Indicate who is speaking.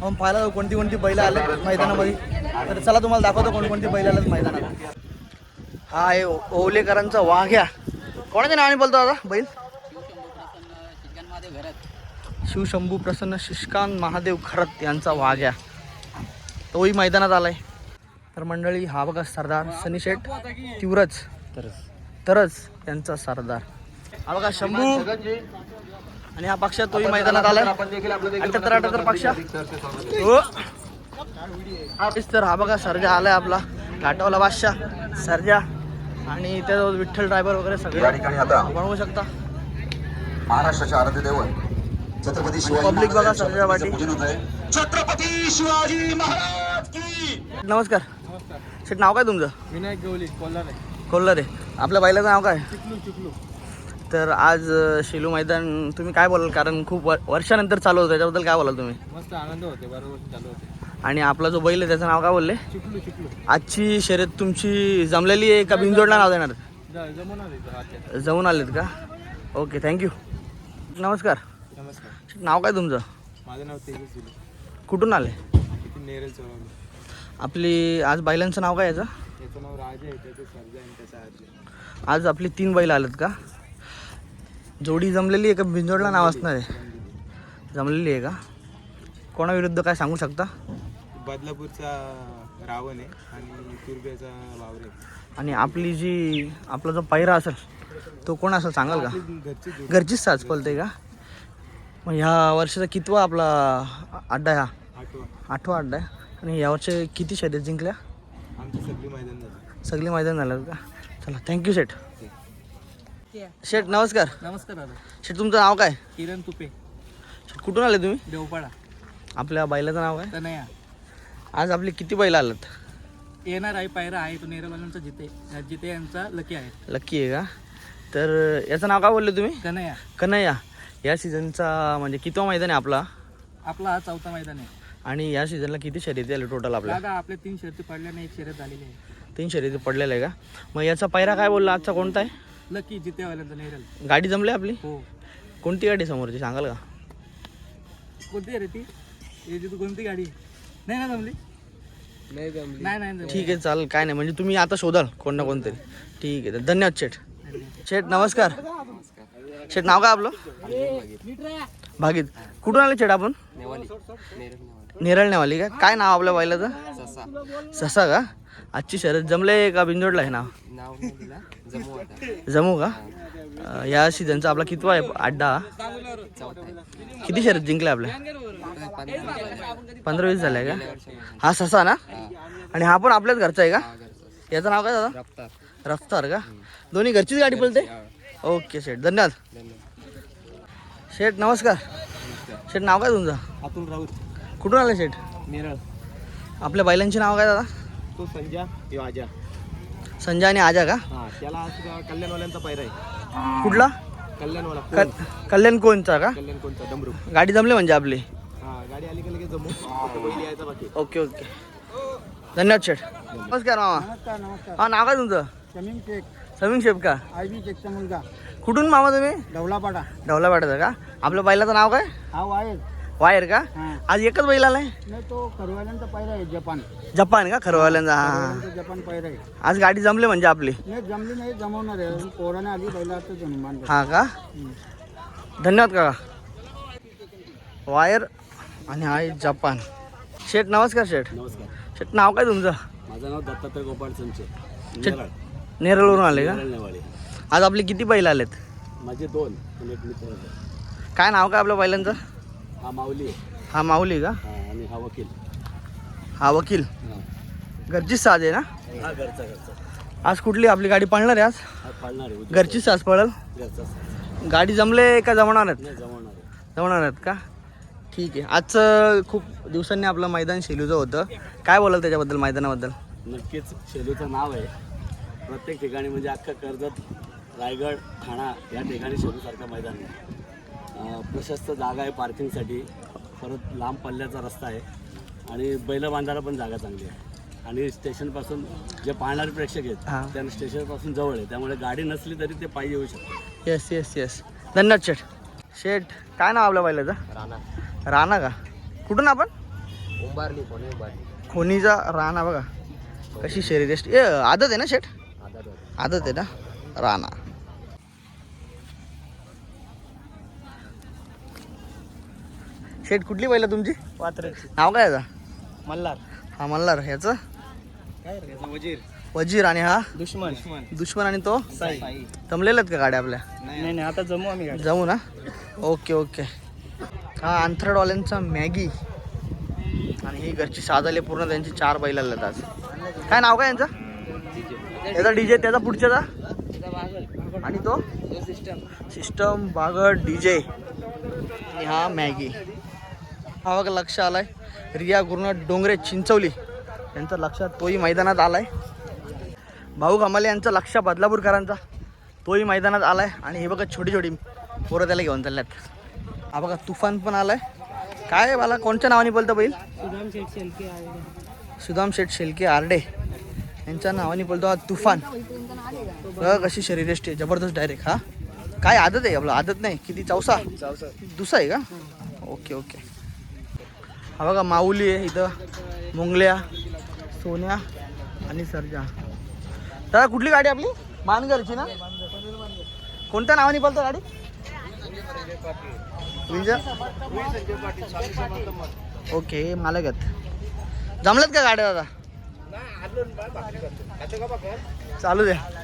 Speaker 1: आपण पाहायला कोणती कोणती बैल आले मैदानामध्ये. तर चला तुम्हाला दाखवतो कोणकोणती बैल आलेत मैदानात. हा आहे ओवलेकरांचा वाघ्या. कोणाच्या नावाने बोलतो आता बैल? शिवशंभू प्रसन्न शिष्कांत महादेव खरत यांचा वाघ्या, तोही मैदानात आलाय. तर मंडळी हा बघा सरदार सनीशेठ तिवरच तरच यांचा सरदार. हा बघा शंभू आणि हा पक्षा तोही मैदानात आलाय. 78 पक्षा हो. तर हा बघा सर्जा आलाय आपला घाटावला बादशाह सर्जा आणि त्याजवळ विठ्ठल ड्रायव्हर वगैरे सगळे बनवू शकता.
Speaker 2: महाराष्ट्राचे आराध्य दैवत छत्रपती शिवाजी
Speaker 1: पब्लिक बघा सर्जा वाटी.
Speaker 2: छत्रपती शिवाजी महाराज की.
Speaker 1: नमस्कार शेठ, नाव काय तुमचं?
Speaker 3: विनायक गवली
Speaker 1: कोल्हारे. आपल्या बैलाचं नाव काय?
Speaker 3: चिखलू.
Speaker 1: तर आज शेलू मैदान तुम्ही काय बोलाल, कारण खूप वर्षानंतर चालू होतं, त्याच्याबद्दल काय बोलाल तुम्ही?
Speaker 3: मस्त आनंद होते, बरोबर चालू होते.
Speaker 1: आणि आपला जो बैल आहे त्याचं नाव काय बोलले?
Speaker 3: चिखलू.
Speaker 1: आजची शर्यत तुमची जमलेली आहे का बिनजोडला नाव देणार? जमून आलेत का? Okay thank you. नमस्कार.
Speaker 3: नमस्कार.
Speaker 1: नाव काय तुमचं?
Speaker 3: माझं नाव तेजस दिले.
Speaker 1: कुठून आले?
Speaker 3: नेरल चौरावली.
Speaker 1: आपली आज बैलांचं नाव काय याचं?
Speaker 3: त्याचं नाव राजा आहे, त्याचं सर्जा आहे, त्याचा आजी.
Speaker 1: आज आपली 3 बैल आलेत का? जोडी जमलेली आहे का बिनजोडला नाव असणार आहे? जमलेली आहे का? कोणाविरुद्ध काय सांगू शकता?
Speaker 3: बदलापूरचा रावण आहे आणि तुर्ब्याचा वावरे.
Speaker 1: आणि आपला जो पायरा असेल तो कोण असेल सांगाल का? घरचीच साज पलते का? मग ह्या वर्षाचा कितवा आपला अड्डा आहे? हा 8वा अड्डा आहे. आणि यावर्षी किती शर्यत जिंकल्या?
Speaker 3: आमची सगळी मैदान
Speaker 1: झालं का? चला थँक्यू शेठ. शेठ नमस्कार.
Speaker 3: नमस्कार दादा.
Speaker 1: शेठ तुमचं नाव काय?
Speaker 3: किरण तुपे.
Speaker 1: शेठ कुठून आले तुम्ही?
Speaker 3: देवपाडा.
Speaker 1: आपल्या बैलाचं नाव काय?
Speaker 3: तनया.
Speaker 1: आज आपली किती बैल आलात?
Speaker 3: येणार आहे पायरा आहे तो नेरवाल्यांचा जिते यांचा लकी आहे.
Speaker 1: लकी आहे का? तर याचं नाव काय बोलले तुम्ही? कन्हैया. या सीझनचा म्हणजे कितवा मैदान आहे आपला
Speaker 3: हा 4था मैदान आहे.
Speaker 1: आणि या सीझनला किती शर्यती आले टोटल आपल्या?
Speaker 3: आपले 3 शर्यती पडल्याने 1 शर्यत झालेली आहे.
Speaker 1: 3 शर्यती पडलेलं आहे का? मग याचा पायरा काय बोलला आजचा कोणता आहे?
Speaker 3: लकी जितेवाल्यांचा नेरल.
Speaker 1: गाडी जमली आपली?
Speaker 3: हो.
Speaker 1: कोणती गाडी समोरची सांगाल का?
Speaker 3: कोणती आहे ती? कोणती गाडी? नाही ना जमली. नाही.
Speaker 1: ठीक आहे चालेल, काय नाही, म्हणजे तुम्ही आता शोधाल कोण ना कोणतरी. ठीक आहे धन्यवाद शेठ. शेठ नमस्कार. शेठ नाव काय आपलं? भागीत. कुठून आले शेठ आपण? नेरळ नेवाली का? काय नाव आपल्या बैलाचं? ससा का? आजची शर्यत जमले का बिनजोडला आहे नाव? जमू का? या सीझनचा आपला कितवा आहे अड्डा? किती शर्यत जिंकल्या आपल्या? 15-20 झाल्या का? हा ससा ना? आणि हा पण आपल्याच घरचा आहे का? याचं नाव काय दादा? रफ्तार का? दोन्ही घरचीच गाडी पळते? ओके शेठ धन्यवाद. शेठ नमस्कार. शेठ नाव काय तुमचं?
Speaker 3: अतुल राऊत.
Speaker 1: कुठून आले शेठ?
Speaker 3: नेरळ.
Speaker 1: आपल्या बैलांचे नाव काय दादा?
Speaker 3: तो संजा, तो आजा.
Speaker 1: संजय आणि आजा का?
Speaker 3: हा त्याला कल्याणवाल्यांचा पायरा आहे.
Speaker 1: कुठला?
Speaker 3: कल्याणवाला.
Speaker 1: कल्याण कोणचा का?
Speaker 3: कल्याण कोणचा डमरू.
Speaker 1: गाडी जमली म्हणजे आपली?
Speaker 3: हा गाडी आली का लगेच जमू. पहिली यायचा बाकी.
Speaker 1: ओके धन्यवाद शेठ. नमस्कार मामा.
Speaker 3: नमस्कार.
Speaker 1: हा नाव काय तुमचं? समीम शेख का?
Speaker 3: आयबी शेखचा मुलगा.
Speaker 1: कुठून मामा तुम्ही?
Speaker 3: ढवलापाडा
Speaker 1: का? आपल्या बैलाचं नाव काय?
Speaker 3: हा
Speaker 1: वायर का? आज एकच बैल आलाय?
Speaker 3: नाही तो खरवाल्यांचा पायरा आहे.
Speaker 1: जपान का? खरवाल्यांचा. हा
Speaker 3: जपान पायरा आहे.
Speaker 1: आज गाडी जमली म्हणजे आपली?
Speaker 3: नाही जमली नाही, जमवणार आहे. पोराने आली बैला आता जन्मान.
Speaker 1: हा का? धन्यवाद काका. वायर आणि आहे जपान. शेठ नमस्कार.
Speaker 3: नमस्कार.
Speaker 1: शेठ नाव काय तुमचं?
Speaker 3: माझं नाव दत्तात्रय गोपाळ संचे.
Speaker 1: नेरळवरून आले का? आज आपले किती बैल आलेत?
Speaker 3: माझे 2 आणि एक मित्र.
Speaker 1: काय नाव काय आपल्या बैलांचं?
Speaker 3: हा माऊली.
Speaker 1: हा माऊली का?
Speaker 3: आणि
Speaker 1: हा वकील. घरचीच साज आहे ना?
Speaker 3: हा घरचा.
Speaker 1: आज कुठली आपली गाडी पळणार आहे? आज
Speaker 3: पाळणार आहे.
Speaker 1: घरचीच साज पळल. गाडी जमले का जमणार आहेत का? ठीक आहे. आजचं खूप दिवसांनी आपलं मैदान शेलूचं होतं, काय बोलाल त्याच्याबद्दल, मैदानाबद्दल?
Speaker 3: नक्कीच शेलूचं नाव आहे प्रत्येक ठिकाणी, म्हणजे अख्खा कर्जत, रायगड, ठाणा या ठिकाणी शेलूसारखं मैदान आहे. प्रशस्त जागा आहे पार्किंगसाठी, परत लांब पल्ल्याचा रस्ता आहे आणि बैल बांधायला पण जागा चांगली आहे. आणि स्टेशनपासून जे पाहणारे प्रेक्षक आहेत त्यांना स्टेशनपासून जवळ आहे, त्यामुळे गाडी नसली तरी ते पायी येऊ शकते.
Speaker 1: येस. धन्यवाद शेठ. काय नाव आपल्या बैलाचं? राणा का? कुठून आपण? खोनीचा राणा बघा कशी शरीर ए आदत आहे ना शेठ आदत आहे ना राणा. शेठ कुठली पहिलं तुमची
Speaker 4: पात्राची
Speaker 1: नाव काय याचा
Speaker 4: मल्हार
Speaker 1: हा मल्हार ह्याचं
Speaker 4: काय वजीर
Speaker 1: वजीर आणि हा
Speaker 4: दुश्मन
Speaker 1: दुश्मन आणि तो
Speaker 4: साई
Speaker 1: जमलेल्यात का गाड्या आपल्या
Speaker 4: नाही आता जमू आम्ही गाडी.
Speaker 1: जाऊ ना ओके ओके. हा अंथरडवाल्यांचा मॅगी आणि ही घरची साधाले पूर्ण त्यांची 4 बैल आलेत आज. काय नाव काय यांचं याचा डीजे त्याचा पुढच्याचा आणि तो सिस्टम बागड डीजे आणि हा मॅगी. हा बघा लक्ष आलाय रिया गुरुनाथ डोंगरे चिंचवली यांचं लक्षात तोही मैदानात आलाय. भाऊ कमाले यांचं लक्ष बदलापूरकरांचा तोही मैदानात आलाय. आणि हे बघा छोटी छोटी पोरं त्याला घेऊन चालल्यात. हा बघा तुफान पण आलाय. काय मला कोणत्या नावाने बोलतं बैल सुदाम शेठ शेलके आरडे यांच्या नावाने बोलतो हा तुफान. बघा कशी शरीरयष्टी आहे जबरदस्त डायरेक्ट. हा काय आदत आहे आपलं आदत नाही किती चौसा दुसरा आहे का ओके ओके. हा बघा माऊली आहे इथं मुंगल्या सोन्या आणि सर्जा. दादा कुठली गाडी आपली मानगरची ना कोणत्या नावाने बोलतो गाडी ओके मालक आहेत जमल्यात का गाड्या दादा चालू द्या.